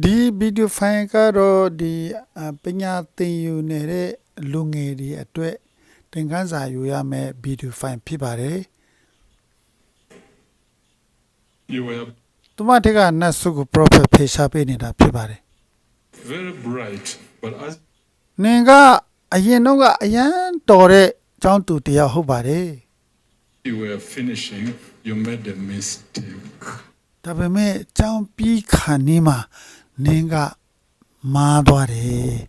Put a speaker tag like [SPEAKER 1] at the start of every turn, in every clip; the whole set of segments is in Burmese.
[SPEAKER 1] ဒီဗီဒီယိုဖိုင်ကတော့ဒီပညာသင်ယူနေတဲ့လူငယ်တွေအတွက်သင်ခန်းစာယူရမယ့်ဗီဒီယိုဖိုင်ဖြစ်ပါတယ်
[SPEAKER 2] You were
[SPEAKER 1] သူမတက်ကနတ်ဆုကို prophet ဖေရှားပေးနေတာဖြစ်ပါတယ်
[SPEAKER 2] very bright, but as
[SPEAKER 1] နင်ကအရင်တော့ကအရန်တော်တဲ့ကျောင်းသူတစ်ယောက်ဟုတ်ပါတယ်
[SPEAKER 2] you were finishing, you made a mistake.
[SPEAKER 1] ဒါပေမဲ့ကျောင်းပြီးခါနေမှာနင်ကမားသွားတယ်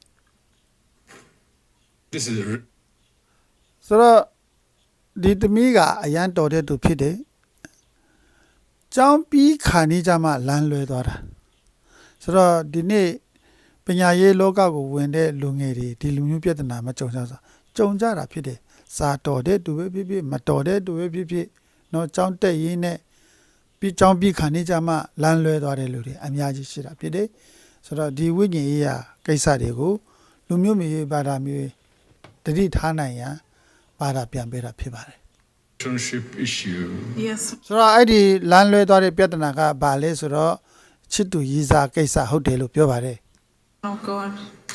[SPEAKER 2] This is
[SPEAKER 1] ဆိုတော့ဒီသမီးကအရန်တော်တဲ့သူဖြစ်တယ်ကျောင်းပြီးခါနေကြမှလမ်းလွဲသွားတာဆိုတော့ဒီနေ့ပညာရေးလောကကိုဝင်တဲ့လူငယ်တွေဒီလူမျိုးပြဿနာမကြုံကြဆိုကြုံကြတာဖြစ်တယ်စာတော်တဲ့သူပဲဖြစ်ဖြစ်မတော်တဲ့သူပဲဖြစ်ဖြစ်တော့ကျောင်းတက်ရင်းနဲ့ပြီးကျောင်းပြီးခါနေကြမှလမ်းလွဲသွားတဲ့လူတွေအများကြီးရှိတာဖြစ်တယ်ဆိုတော့ဒီဝိညာဉ်ရေးရာကိစ္စတွေကိုလူမျိုးမျိုးဘာသာမျိုးတတိထားနိုင်ရန်ဘာသာပြန်ပေးတာဖြစ်ပါတယ်
[SPEAKER 2] relationship issue.
[SPEAKER 3] Yes.
[SPEAKER 1] ဆိုတော့အဲ့ဒီလမ်းလွဲသွားတဲ့ပြဿနာကဘာလဲဆိုတော့ချစ်သူရည်စားကိစ္စဟုတ်တယ်လို့ပြောပါတယ်
[SPEAKER 3] Oh God.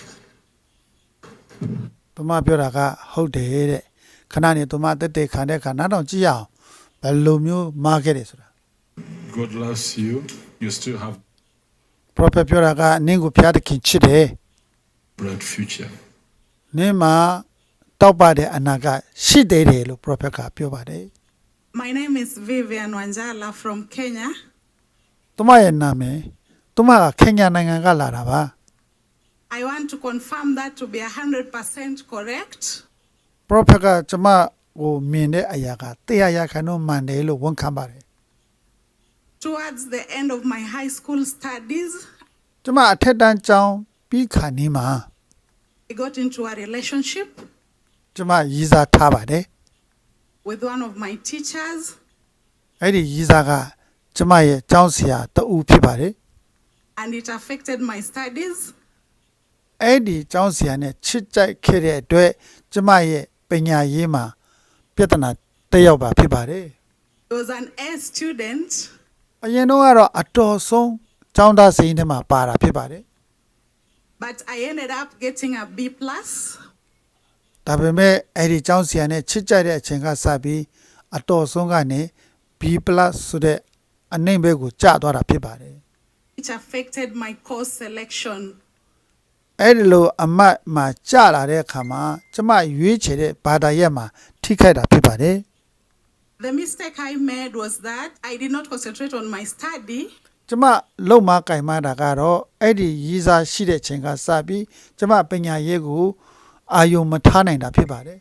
[SPEAKER 1] သူမပြောတာကဟုတ်တယ်တဲ့ခဏနေသူမတက်တက်ခံတဲ့ခါနောက်တော့ကြည့်ရအောင်ဘယ်လိုမျိုးမားခဲ့တယ်ဆိုတာ
[SPEAKER 2] God loves you. You still have
[SPEAKER 1] prophet ပြောတာကနင့်ကိုဖျားသခင်ချစ်တယ်
[SPEAKER 2] bright future.
[SPEAKER 1] နင့်မှာတောက်ပတဲ့အနာကရှိသေးတယ်လို့ prophet ကပြောပါတယ်
[SPEAKER 3] My name is Vivian Wanjala from Kenya.
[SPEAKER 1] သူမရဲ့နာမည်သူမကခင်ညာနိုင်ငံကလာတာပါ
[SPEAKER 3] I want to confirm that to be 100% correct.
[SPEAKER 1] prophet ကကျမကိုမြင်တဲ့အရာကတရားရခံတော့မှန်တယ်လို့ဝန်ခံပါတယ်
[SPEAKER 3] Towards the end of my high school studies,
[SPEAKER 1] ကျမအထက်တန်းကျောင်းပြီးခါနေမှာ
[SPEAKER 3] I got into a relationship
[SPEAKER 1] ကျမရည်စားထားပါတယ်
[SPEAKER 3] with one of my teachers,
[SPEAKER 1] အဲ့ဒီရည်စားကကျမရဲ့ကျောင်းဆရာတဦးဖြစ်ပါတယ်
[SPEAKER 3] and it affected my studies.
[SPEAKER 1] အဲ့ဒီကျောင်းဆရာနဲ့ချစ်ကြိုက်ခဲ့တဲ့အတွက်ကျမရဲ့ပညာရေးမှာပြဿနာတက်ရောက်ပါဖြစ်ပါတယ်
[SPEAKER 3] I was an A student,
[SPEAKER 1] အရင်တော့ကတော့အတော်ဆုံးကျောင်းသားစိန်ထဲမှာပါတာဖြစ်ပါတယ်
[SPEAKER 3] but I ended up getting a B+.
[SPEAKER 1] ဒါပေမဲ့အဲ့ဒီကျောင်းဆရာနဲ့ချစ်ကြိုက်တဲ့အချိန်ကစပြီးအတော်ဆုံးကနေ B+ ဆိုတဲ့အနှိမ့်ဘက်ကိုကျသွားတာဖြစ်ပါတယ်
[SPEAKER 3] It affected my course selection.
[SPEAKER 1] အဲ့ဒီလိုအမတ်မှာကျလာတဲ့အခါမှာကျမရွေးချယ်တဲ့ဘာသာရပ်မှာထိခိုက်တာဖြစ်ပါတယ်
[SPEAKER 3] The mistake I made was that I did not concentrate on my study.
[SPEAKER 1] ကျမလုံမကင်မတာကတော့အဲ့ဒီရည်စားရှိတဲ့ချိန်ကစပြီးကျမပညာရေးကိုအာယုံမထားနိုင်တာဖြစ်ပါတယ်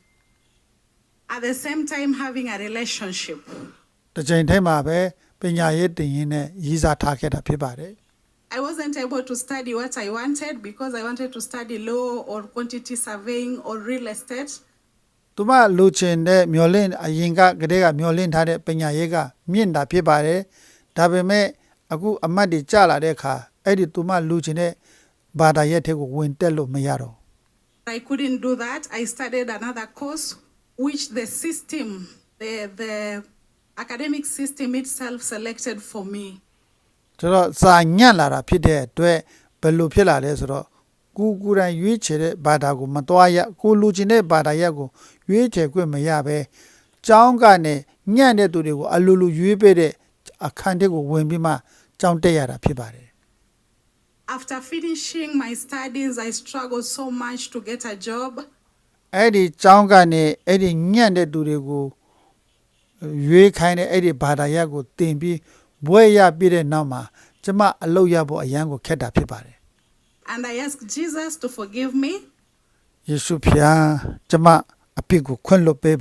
[SPEAKER 3] At the same time having a relationship.
[SPEAKER 1] တစ်ချိန်တည်းမှာပဲပညာရေးတင်ရင်းနဲ့ရည်စားထားခဲ့တာဖြစ်ပါတယ်
[SPEAKER 3] I wasn't able to study what I wanted because I wanted to study law or quantity surveying or real estate.
[SPEAKER 1] သူမလူချင်တဲ့မျောလင့်အရင်ကတည်းကမျောလင့်ထားတဲ့ပညာရေးကမြင့်တာဖြစ်ပါတယ်ဒါပေမဲ့အခုအမတ်တွေကျလာတဲ့အခါအဲ့ဒီသူမလူချင်တဲ့ဘာသာရပ်တွေကိုဝင်တက်လို့မရတော့
[SPEAKER 3] I couldn't do that. I studied another course which the system, the academic system itself selected for me.
[SPEAKER 1] ဆိုတော့စာညံ့လာတာဖြစ်တဲ့အတွက်ဘယ်လိုဖြစ်လာလဲဆိုတော့ကိုယ်တိုင်ရွေးချယ်တဲ့ဘာသာကိုမတော်ရကိုလူချင်တဲ့ဘာသာရပ်ကိုရွေးချယ်ခွင့်မရဘဲကျောင်းကနေညံ့တဲ့သူတွေကိုအလိုလိုရွေးပေးတဲ့အခန်းတွေကိုဝင်ပြီးမှကျောင်းတက်ရတာဖြစ်ပါတယ်
[SPEAKER 3] After finishing my studies, I struggled so much to get a job.
[SPEAKER 1] အဲ့ဒီကျောင်းကနေအဲ့ဒီညံ့တဲ့သူတွေကိုရွေးခိုင်းတဲ့အဲ့ဒီဘာသာရပ်ကိုတင်ပြီးဘွဲရပြည့်တဲ့နောက်မှာကျမအလုပ်ရဖို့အရန်ကိုခက်တာဖြစ်ပါတယ်
[SPEAKER 3] And I asked Jesus to forgive me
[SPEAKER 1] ယေရှုဖျားကျမအပြစ်ကိုခွင့်လွှတ်ပေးပါ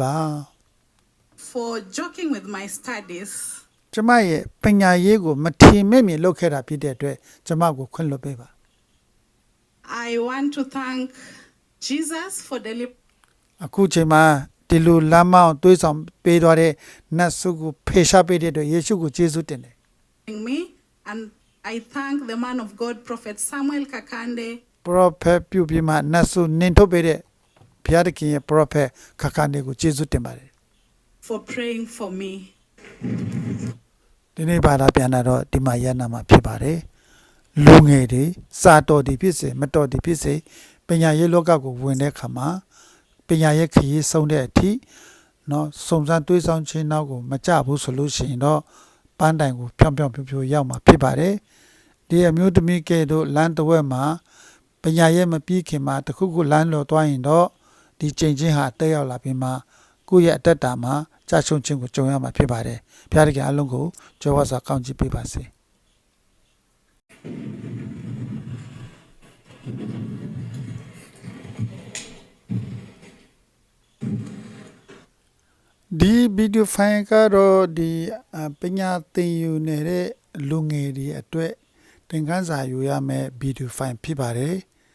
[SPEAKER 3] for joking with my studies.
[SPEAKER 1] ကျမရဲ့ပညာရေးကိုမထီမဲ့မြင်လုပ်ခဲ့တာဖြစ်တဲ့အတွက်ကျမကိုခွင့်လွှတ်ပေးပါ
[SPEAKER 3] I want to thank Jesus for delivering
[SPEAKER 1] အခုချိန်မှာဒီလိုလမ်းမအောင်တွေးဆောင်ပေးသွားတဲ့နတ်ဆုကိုဖေရှားပေးတဲ့အတွက်ယေရှုကိုကျေးဇူးတင်တယ်
[SPEAKER 3] me, and I thank the man of God, Prophet Samuel Kakande,
[SPEAKER 1] prophet ပြုပြီးမှနတ်ဆုနင်ထုတ်ပေးတဲ့ဘုရားသခင်ရဲ့ prophet ခါခါနေကိုကျေးဇူးတင်ပါတယ်
[SPEAKER 3] for praying for me.
[SPEAKER 1] ဒီနေ့ဘာသာပြန်တာတော့ဒီမှာရနာမှာဖြစ်ပါတယ်လူငယ်တွေစာတော်တွေဖြစ်စေမတော်တွေဖြစ်စေပညာရေးလောကကိုဝင်တဲ့အခါမှာပညာရေးခရီးဆုံးတဲ့အထိနော်စုံစမ်းတွေးဆောင်ခြင်းနောက်ကိုမကြဘူးဆိုလို့ရှိရင်တော့ပန်းတိုင်ကိုဖြောင်းဖြောင်းဖြိုးဖြိုးရောက်မှာဖြစ်ပါတယ်ဒီအမျိုးသမီးကဲတို့လမ်းတစ်ဝက်မှာပညာရေးမပြီးခင်မှာတခုခုလမ်းလော်သွားရင်တော့ဒီချိန်ချင်းဟာတက်ရောက်လာပြီးမှကိုယ့်ရဲ့အတ္တတာမှာကြာရှုံးခြင်းကိုကြုံရမှာဖြစ်ပါတယ်ဘုရားတခင်အလုံးကိုကြွယ်ဝစွာကောင်းချီးပေးပါစေဒီဗီဒီယိုဖိုင်ကတော့ဒီပညာသင်ယူနေတဲ့လူငယ်တွေအတွက်သင်ခန်းစာယူရမယ့်ဗီဒီယိုဖိုင်ဖြစ်ပါတယ်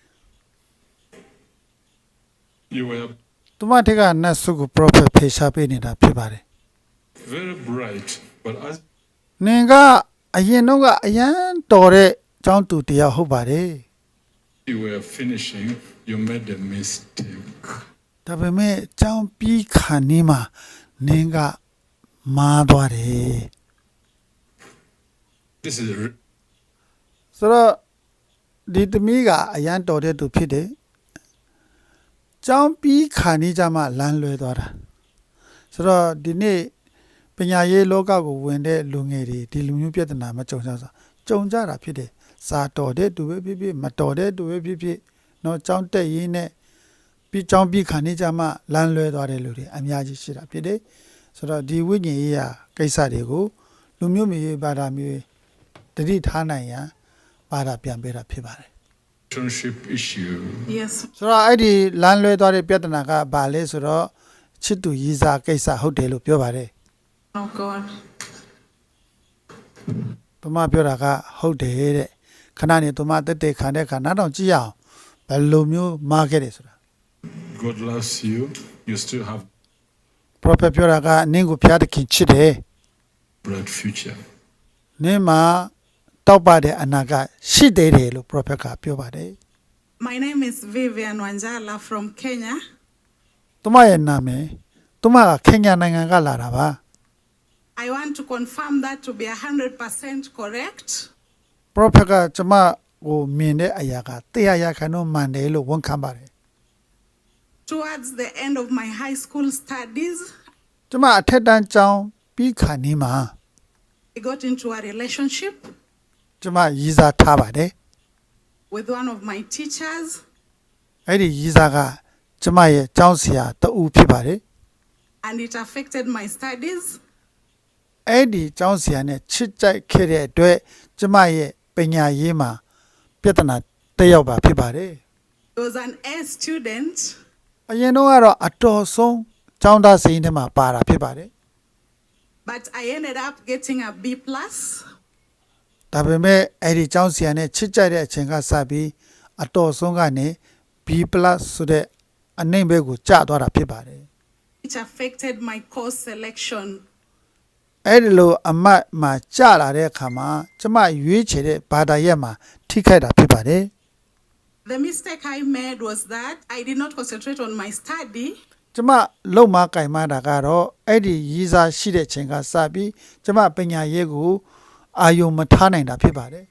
[SPEAKER 2] You were
[SPEAKER 1] သူမထက်ကနတ်ဆုကို prophet ဖေရှားပေးနေတာဖြစ်ပါတယ်
[SPEAKER 2] very bright, but as
[SPEAKER 1] နင်ကအရင်တော့ကအရန်တော်တဲ့ကျောင်းသူတရားဟုတ်ပါတယ်
[SPEAKER 2] you were finishing, you made a mistake.
[SPEAKER 1] ဒါပေမဲ့ကျောင်းပြီးခါနေမှာနင်ကမားသွားတယ်
[SPEAKER 2] This is
[SPEAKER 1] ဆိုတော့ဒီသမီးကအရန်တော်တဲ့သူဖြစ်တယ်ကျောင်းပြီးခါနေကြမှာလမ်းလွဲသွားတာဆိုတော့ဒီနေ့ပညာရေးလောကကိုဝင်တဲ့လူငယ်တွေဒီလူမျိုးပြဿနာမကြုံကြဆိုကြုံကြတာဖြစ်တယ်စာတော်တဲ့သူပဲဖြစ်ဖြစ်မတော်တဲ့သူပဲဖြစ်ဖြစ်တော့ကျောင်းတက်ရင်းနဲ့ပြီးကျောင်းပြီးခါနေကြမှာလမ်းလွဲသွားတဲ့လူတွေအများကြီးရှိတာဖြစ်တယ်ဆိုတော့ဒီဝိညာဉ်ရေးရာကိစ္စတွေကိုလူမျိုးမျိုးဘာသာမျိုးတတိထားနိုင်ရန်ဘာသာပြန်ပေးတာဖြစ်ပါတယ်
[SPEAKER 2] relationship issue.
[SPEAKER 3] Yes.
[SPEAKER 1] ဆိုတော့အဲ့ဒီလမ်းလွဲသွားတဲ့ပြဿနာကဘာလဲဆိုတော့ချစ်သူရည်စားကိစ္စဟုတ်တယ်လို့ပြောပါတယ်
[SPEAKER 3] Oh God.
[SPEAKER 1] သူမပြောတာကဟုတ်တယ်တဲ့ခဏနေသူမတက်တက်ခံတဲ့ခါနောက်တော့ကြည့်ရအောင်ဘယ်လိုမျိုးမားခဲ့တယ်ဆိုတာ
[SPEAKER 2] God loves you. You still have
[SPEAKER 1] prophet ပြောတာကနင့်ကိုဖျားသခင်ချစ်တယ်
[SPEAKER 2] bright future.
[SPEAKER 1] နင့်မှာတောက်ပတဲ့အနာကရှိသေးတယ်လို့ prophet ကပြောပါတယ်
[SPEAKER 3] My name is Vivian Wanjala from Kenya.
[SPEAKER 1] သူမရဲ့နာမည်သူမကခင်ညာနိုင်ငံကလာတာပါ
[SPEAKER 3] I want to confirm that to be 100% correct.
[SPEAKER 1] prophet ကကျမကိုမြင်တဲ့အရာကတရားရခံတော့မှန်တယ်လို့ဝန်ခံပါတယ်
[SPEAKER 3] Towards the end of my high school studies,
[SPEAKER 1] ကျမအထက်တန်းကျောင်းပြီးခါနေမှာ
[SPEAKER 3] I got into a relationship
[SPEAKER 1] ကျမရည်စားထားပါတယ်
[SPEAKER 3] with one of my teachers,
[SPEAKER 1] အဲ့ဒီရည်စားကကျမရဲ့ကျောင်းဆရာတဦးဖြစ်ပါတယ်
[SPEAKER 3] and it affected my studies.
[SPEAKER 1] အဲ့ဒီကျောင်းဆရာနဲ့ချစ်ကြိုက်ခဲ့တဲ့အတွက်ကျမရဲ့ပညာရေးမှာပြဿနာတက်ရောက်ပါဖြစ်ပါတယ်
[SPEAKER 3] He was an A student,
[SPEAKER 1] အရင်တော့ကတော့အတော်ဆုံးကျောင်းသားစိန်ထဲမှာပါတာဖြစ်ပါတယ်
[SPEAKER 3] but I ended up getting a B+.
[SPEAKER 1] ဒါပေမဲ့အဲ့ဒီကျောင်းဆရာနဲ့ချစ်ကြိုက်တဲ့အချိန်ကစပြီးအတော်ဆုံးကနေ B+ ဆိုတဲ့အနှိမ့်ဘက်ကိုကျသွားတာဖြစ်ပါတယ်
[SPEAKER 3] which affected my course selection.
[SPEAKER 1] အဲ့ဒီလိုအမတ်မှာကျလာတဲ့အခါမှာကျမရွေးချယ်တဲ့ဘာသာရပ်မှာထိခိုက်တာဖြစ်ပါတယ်
[SPEAKER 3] The mistake I made was that I did not concentrate on my study.
[SPEAKER 1] ကျမလုံမကင်မတာကတော့အဲ့ဒီရည်စားရှိတဲ့ချိန်ကစပြီးကျမပညာရေးကိုအာယုံမထားနိုင်တာဖြစ်ပါတယ်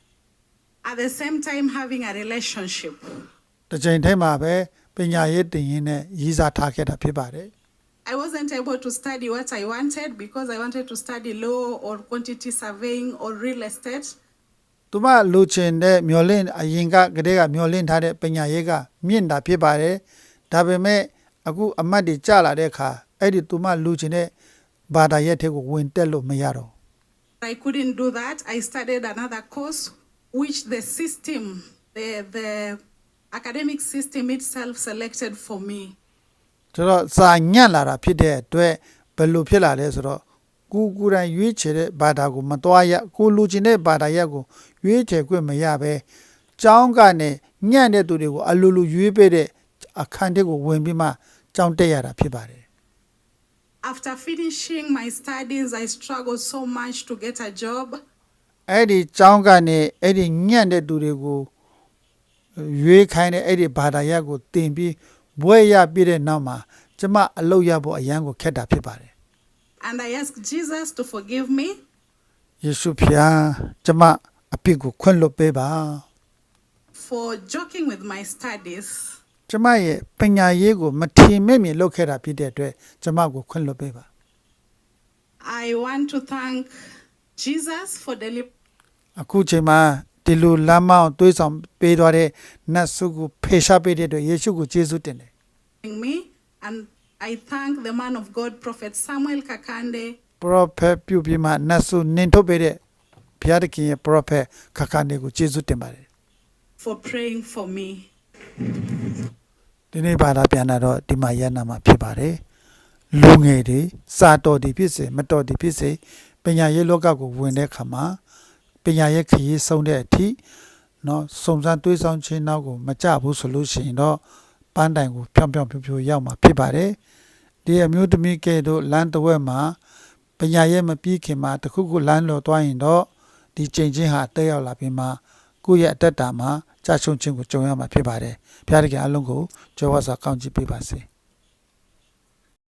[SPEAKER 3] At the same time having a relationship.
[SPEAKER 1] တစ်ချိန်ထဲမှာပဲပညာရေးတင်ရင်းနဲ့ရည်စားထားခဲ့တာဖြစ်ပါတယ်
[SPEAKER 3] I wasn't able to study what I wanted because I wanted to study law or quantity surveying or real estate.
[SPEAKER 1] သူမလူချင်တဲ့မျော်လင့်အရင်ကတည်းကမျော်လင့်ထားတဲ့ပညာရေးကမြင့်တာဖြစ်ပါတယ်ဒါပေမဲ့အခုအမတ်တွေကျလာတဲ့အခါအဲ့ဒီသူမလူချင်တဲ့ဘာသာရပ်တွေကိုဝင်တက်လို့မရတော့
[SPEAKER 3] I couldn't do that. I studied another course which the system, the academic system itself selected for me.
[SPEAKER 1] ဆိုတော့စာညံ့လာတာဖြစ်တဲ့အတွက်ဘယ်လိုဖြစ်လာလဲဆိုတော့ကိုယ်တိုင်ရွေးချယ်တဲ့ဘာသာကိုမတော်ရကိုလူချင်တဲ့ဘာသာရပ်ကိုရွေးချယ်ခွင့်မရပဲကျောင်းကနေညံ့တဲ့သူတွေကိုအလိုလိုရွေးပေးတဲ့အခန်းတွေကိုဝင်ပြီးမှကျောင်းတက်ရတာဖြစ်ပါတယ်
[SPEAKER 3] After finishing my studies, I struggled so much to get a job.
[SPEAKER 1] အဲ့ဒီကျောင်းကနေအဲ့ဒီညံ့တဲ့သူတွေကိုရွေးခိုင်းတဲ့အဲ့ဒီဘာသာရပ်ကိုတင်ပြီးဘွဲရပြည့်တဲ့နောက်မှာကျမအလုပ်ရဖို့အရန်ကိုခက်တာဖြစ်ပါတယ်
[SPEAKER 3] And I asked Jesus to forgive me.
[SPEAKER 1] ယေရှုဖျားကျမအပြစ်ကိုခွင့်လွှတ်ပေးပါ
[SPEAKER 3] for joking with my studies.
[SPEAKER 1] ကျမရဲ့ပညာရေးကိုမထီမဲ့မြင်လုပ်ခဲ့တာဖြစ်တဲ့အတွက်ကျမကိုခွင့်လွှတ်ပေးပါ
[SPEAKER 3] I want to thank Jesus for delivering
[SPEAKER 1] အခုချိန်မှာဒီလိုလမ်းမအောင်တွေးဆောင်ပေးသွားတဲ့နတ်ဆုကိုဖေရှားပေးတဲ့အတွက်ယေရှုကိုကျေးဇူးတင်တယ်
[SPEAKER 3] me, and I thank the man of God, Prophet Samuel Kakande,
[SPEAKER 1] prophet ပြုပြီးမှနတ်ဆုနင်ထုတ်ပေးတဲ့ဘုရားသခင်ရဲ့ prophet ခါခါနေကိုကျေးဇူးတင်ပါတယ်
[SPEAKER 3] for praying for me.
[SPEAKER 1] ဒီနေ့ဘာသာပြန်လာတော့ဒီမှာရန်နာမှာဖြစ်ပါတယ်လူငယ်တွေစာတော်တွေဖြစ်စေမတော်တွေဖြစ်စေပညာရေးလောကကိုဝင်တဲ့အခါမှာပညာရေးခရီးဆုံးတဲ့အထိเนาะစုံစမ်းတွေးဆောင်ခြင်းနောက်ကိုမကြဘူးဆိုလို့ရှိရင်တော့ပန်းတိုင်ကိုဖြောင်းဖြောင်းဖြိုးဖြိုးရောက်မှာဖြစ်ပါတယ်ဒီအမျိုးသမီးကဲတို့လမ်းတစ်ဝက်မှာပညာရေးမပြီးခင်မှာတခုခုလမ်းလော်သွားရင်တော့ဒီချိန်ချင်းဟာတက်ရောက်လာပြီးမှကိုယ့်ရဲ့အတ္တတာမှာကြာရှုံးခြင်းကိုကြုံရမှာဖြစ်ပါတယ်ဘုရားသခင်အလုံးကိုကြွယ်ဝစွာကောင်းချီးပေးပါစေ